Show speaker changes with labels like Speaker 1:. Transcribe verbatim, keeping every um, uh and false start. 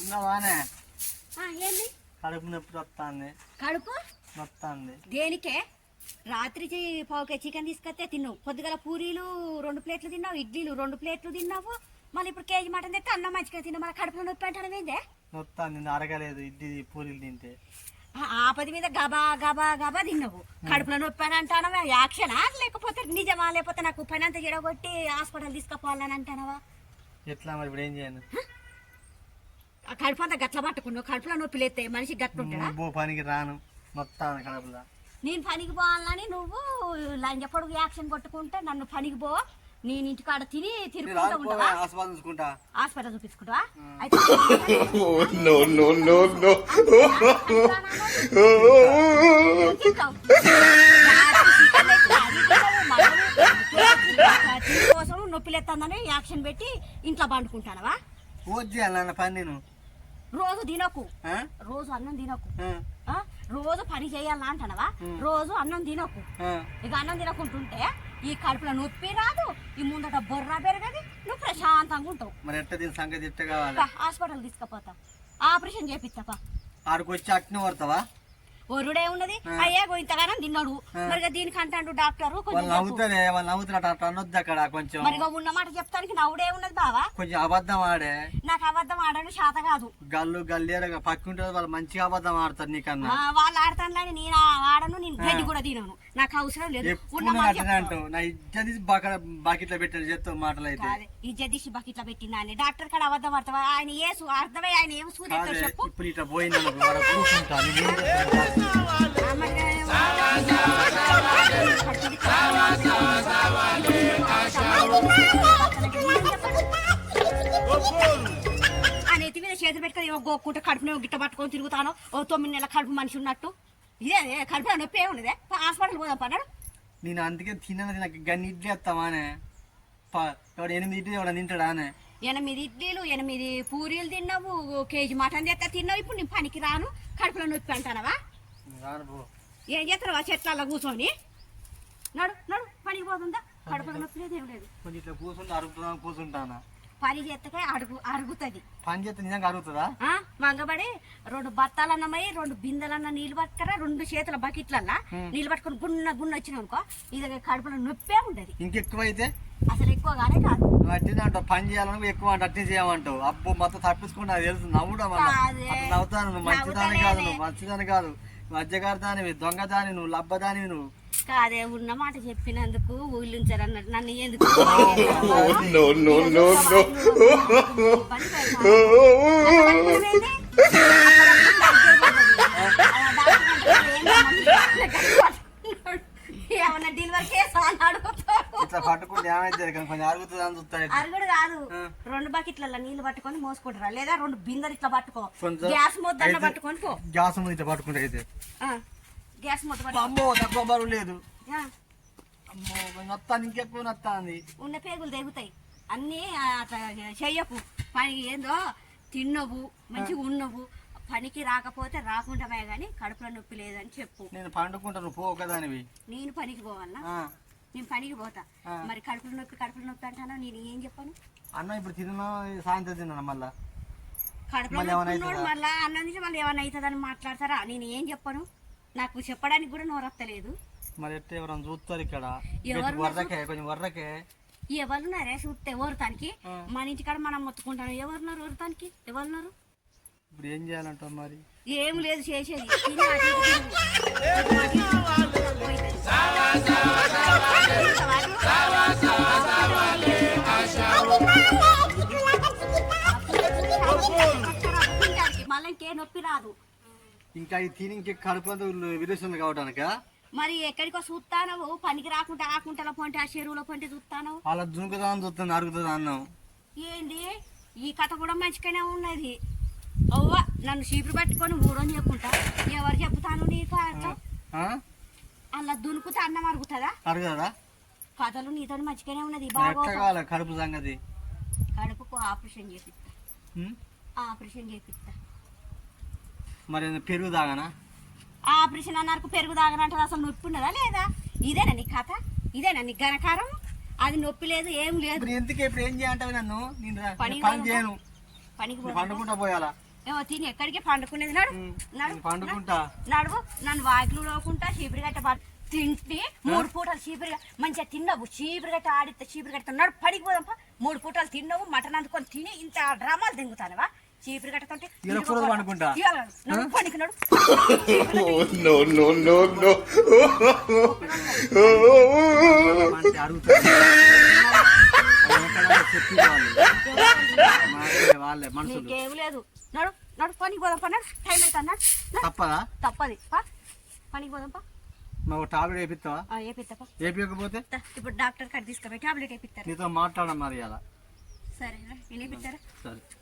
Speaker 1: ఉన్నావానే
Speaker 2: ఏంది
Speaker 1: కడుపు నొప్పి వస్తుంది.
Speaker 2: కడుపు
Speaker 1: వస్తుంది
Speaker 2: దేనికే? రాత్రి పావుకే చికెన్ తీసుకొస్తే తిన్నావు, పొద్దుగల పూరీలు రెండు ప్లేట్లు తిన్నావు, ఇడ్లీలు రెండు ప్లేట్లు తిన్నావు, మళ్ళీ ఇప్పుడు కేజీ మటన్ తెస్తే అన్నం మంచిగా తిన్నావు, మళ్ళీ కడుపులో నొప్పి అంటాను ఏందే?
Speaker 1: వస్తుంది అరగలేదు ఇడ్లీ పూరీలు తింటే.
Speaker 2: ఆపది మీద గబా గబా గబా తిన్నావు, కడుపులో నొప్పి అని అంటానవా? యాక్షనా లేకపోతే నిజమా? లేకపోతే నాకు పని అంతా చెడగొట్టి హాస్పిటల్ తీసుకుపోవాలని అంటానవా?
Speaker 1: ఎట్లా మరి ఇప్పుడు ఏం చేయను?
Speaker 2: కడుపు అంతా గట్ల పట్టుకున్నావు, కడుపులో నొప్పి లేస్తే మనిషి గట్టుంటాడా?
Speaker 1: పనికి రాను మొత్తం కడుపులో.
Speaker 2: నేను పనికి పోవాలని నువ్వు లంజ పొడుగు యాక్షన్ కొట్టుకుంటే నన్ను పనికి పో, నేను ఇంటికాడ తిని తిరుగుకుంటా ఉంటావా? హాస్పిటల్ చూపించుకుంటావా? అయితే కోసం నొప్పి లేస్తుందని యాక్షన్ పెట్టి ఇంట్లో పండుకుంటానవా?
Speaker 1: పని నేను
Speaker 2: రోజు తినకు, రోజు అన్నం తినకు, రోజు పని చేయాలా అంటానవా? రోజు అన్నం తినకు. ఇక అన్నం తినకుంటుంటే ఈ కడుపులో నొప్పి రాదు, ఈ ముందట బొర్రా పెరగది, నువ్వు ప్రశాంతంగా ఉంటావు.
Speaker 1: మరి ఎట్ట దీని సంగతి ఎట్ట కావాలి?
Speaker 2: హాస్పిటల్ తీసుకుపోతా, ఆపరేషన్ చేపిస్తాపా.
Speaker 1: ఆడికి వచ్చి అట్నే పడతావా?
Speaker 2: ఒరుడే ఉన్నది అయ్యా ఇంతగానం తిన్నాడు, మరి దీనికి అంటాడు డాక్టర్. మరి ఉన్న మాట చెప్తానికి నవ్వుడే ఉన్నది బావా.
Speaker 1: కొంచెం అబద్ధం ఆడే.
Speaker 2: నాకు అబద్ధం ఆడని శాత కాదు.
Speaker 1: గల్లు గల్లి పక్కుంటే వాళ్ళు మంచిగా అబద్ధం ఆడతారు నీకన్నా.
Speaker 2: వాళ్ళు ఆడతాను కానీ నేను ఆడను, నేను గడ్డి కూడా తినను, నాకు అవసరం లేదు.
Speaker 1: అంటావు నా ఇజ్జత్ బకెట్లో పెట్టాను చెప్తావు మాటలు అయితే.
Speaker 2: ఇజ్జత్ తీసి బకెట్లో పెట్టినా అని డాక్టర్ కాడ అబద్ధం ఆడతావా? ఆయన ఏ అర్థమై ఆయన ఏం సూర్య చెప్పు.
Speaker 1: ఇప్పుడు ఇట్లా పోయింది
Speaker 2: ఆ నెత్తి మీద చేతులు పెట్టుకొని ఏమో గోక్కుంటే కడుపునే గిట్ట పట్టుకొని తిరుగుతాను, ఓ తొమ్మిది నెలల కడుపు మనిషి ఉన్నట్టు. ఇదే కడుపులో నొప్పి ఏమున్నదే? హాస్పిటల్ పోదాం పన్నాడు.
Speaker 1: నేను అందుకే తిన్నది నాకు గన్ని ఇడ్లీ వస్తామానే. ఎవడు ఎనిమిది ఇడ్లీ ఎవడ తింటాడానే?
Speaker 2: ఎనిమిది ఇడ్లీలు ఎనిమిది పూరీలు తిన్నావు, కేజీ మటన్ తెస్తా తిన్నావు. ఇప్పుడు నేను పనికి రాను, కడుపులో నొప్పి అంటానవా? ఏం చేస్తావు ఆ చెట్ల కూర్చొని? నడు నడు పనికి పోతుందా? కడుపులో నొప్పి లేదు ఏం లేదు.
Speaker 1: కొంచెం ఇట్లా కూర్చుంటే అరుగుతున్నా కూర్చుంటానా?
Speaker 2: పని చేస్తే అడుగు అరుగుతుంది.
Speaker 1: పని చేస్తే నిజంగా అరుగుతుందా?
Speaker 2: మంగబడి రెండు బత్తాలన్నమై రెండు బిందెలన్న నీళ్ళు పట్టుకరా, రెండు చేతుల బకెట్లల్లా నీళ్ళు పట్టుకుని గున్న గున్న వచ్చినావు అనుకో, ఇది కడుపులో నొప్పే ఉంటది.
Speaker 1: ఇంకెక్కువ అయితే
Speaker 2: అసలు ఎక్కువగానే కాదు.
Speaker 1: అట్టినే అంటావు పని చేయాలని ఎక్కువ అంటే అట్నే చేయమంటావు. అబ్బో మొత్తం తప్పించుకుంటా తెలుసు. నవ్వుడా నవ్వుతాను. నువ్వు మంచిదాని కాదు, నువ్వు మంచిదాని కాదు, మధ్యగారిదానివి, దొంగదాని, నువ్వు లబ్బదానివి. నువ్వు
Speaker 2: కాదే ఉన్న మాట చెప్పినందుకు ఊళ్ళుంచారు అన్నట్టు నన్ను ఎందుకు ఏమన్నా డెలివరీ చేసా అని అడుగుతాడు.
Speaker 1: ఇట్లా పట్టుకుంటే ఏమైతే కొంచెం అరుగుతుంది అని చూస్తాడు.
Speaker 2: అరుగుడు కాదు, రెండు బకెట్ల నీళ్ళు పట్టుకొని మోసుకుంటారా, లేదా రెండు బిందెలు ఇట్లా పట్టుకో, గ్యాస్ మొద్ద పట్టుకొని పో.
Speaker 1: గ్యాస్ ఇట్లా పట్టుకుంటే అయితే
Speaker 2: గ్యాస్ మొత్తం
Speaker 1: అమ్మో తక్కువ బరువు లేదు. అమ్మో నొత్తాను, ఇంకెక్కువ నొత్తాంది.
Speaker 2: ఉన్న పేగులు తెగుతాయి అన్నీ. అట్లా చెయ్యకు పని. ఏందో తిన్నవు మంచిగా ఉన్నవు, పనికి రాకపోతే రాకుండా గానీ కడుపులో నొప్పి లేదని చెప్పు.
Speaker 1: నేను పండుకుంటాను పో ఒకదానివి.
Speaker 2: నేను పనికి పోవాలా? నేను పనికి పోతా. మరి కడుపులో నొప్పి కడుపులో నొప్పి అంటాను, నేను ఏం చెప్పాను?
Speaker 1: అన్న ఇప్పుడు తిన్నా సాయంత్రం తిన్నాను మళ్ళా
Speaker 2: కడుపులో నొప్పి మళ్ళా అన్నం నుంచి మళ్ళీ ఏమన్నా అవుతుందని మాట్లాడతారా? నేను ఏం చెప్పాను? నాకు చెప్పడానికి కూడా నోరత్తలేదు.
Speaker 1: మరి ఎట్లా ఎవరైనా చూస్తారు ఇక్కడ? కొంచెం వర్రకే
Speaker 2: ఎవరున్నారే చూస్తే ఓరతానికి? మన ఇంటికాడ మనం మొత్తుకుంటాను. ఎవరున్నారు ఓరతానికి? ఎవరున్నారు?
Speaker 1: ఇప్పుడు ఏం చేయాలంటావు మరి?
Speaker 2: ఏం లేదు చేసేది. మళ్ళీ ఇంకే నొప్పి రాదు.
Speaker 1: ఇంకా ఈ తిని ఇంకే కడుపు విరేస్తుంది కావడానిక?
Speaker 2: మరి ఎక్కడికో చూస్తాను, పనికి రాకుండా ఆ కుంటలో పొంటి ఆ చెరువులో పొంటి చూస్తాను.
Speaker 1: అలా దునుకుదా అని చూస్తాను, అరుగుతుంది అన్నాం.
Speaker 2: ఏంది ఈ కథ కూడా మంచిగానే ఉన్నది. అవ్వ నన్ను చీపురు పట్టుకొని ఊరని చెప్పుకుంటా. ఎవరు చెప్తాను నీకు? అలా దునుకుతే అన్నం అరుగుతుందా?
Speaker 1: అరుగుతుందా?
Speaker 2: కథలు నీతో మంచిగానే ఉన్నది.
Speaker 1: బాగా కడుపు సంగతి.
Speaker 2: కడుపుకు ఆపరేషన్ చేపిస్తా, ఆపరేషన్ చేపిస్తా.
Speaker 1: మరి పెరుగు తాగనా?
Speaker 2: ఆపరేషన్ అన్నారు పెరుగు తాగనంటే అసలు నొప్పి ఉన్నదా లేదా? ఇదేనా నీ కథ? ఇదేనా నీ ఘనకారం? అది నొప్పి లేదు ఏం లేదు.
Speaker 1: ఎందుకు ఇప్పుడు ఏం చేయంటావు నన్ను? పని చేయను, పనికి పండుకుంటా పోయాలా?
Speaker 2: ఏమో తిని ఎక్కడికి పండుకునేది నడు నడు
Speaker 1: పండుకుంటా
Speaker 2: నడువు నన్ను వాకిలు లోకుంటా చీపురు గట్ట పడు తింటి మూడు పూటలు చీపురు మంచిగా తిన్నావు చీపురు గట్ట ఆడితే చీపురు గట్ట నడు పడికి పోదాంపా మూడు పూటలు తిన్నావు మటన్ అందుకొని తిని ఇంత డ్రామాలు తింగుతానవా చీపురు గట్టతోటి
Speaker 1: పండుకుంటా
Speaker 2: పండుకు నడు
Speaker 1: వాళ్ళే మనుషులు
Speaker 2: నీకేం లేదు నడు నడు పనికి పోదాంపా నడు టైం అవుతా నడు
Speaker 1: తప్పదా
Speaker 2: తప్పది పా పనికి పోదాంపా
Speaker 1: నువ్వు టాబ్లెట్ వేపిస్తావా
Speaker 2: వేపిస్తాపా
Speaker 1: వేపించకపోతే
Speaker 2: ఇప్పుడు డాక్టర్ కాడ తీసుకుపోయి టాబ్లెట్ వేపిస్తారు
Speaker 1: నీతో మాట్లాడడం మరి అలా
Speaker 2: సరేనా నేను వేపిస్తారా
Speaker 1: సరే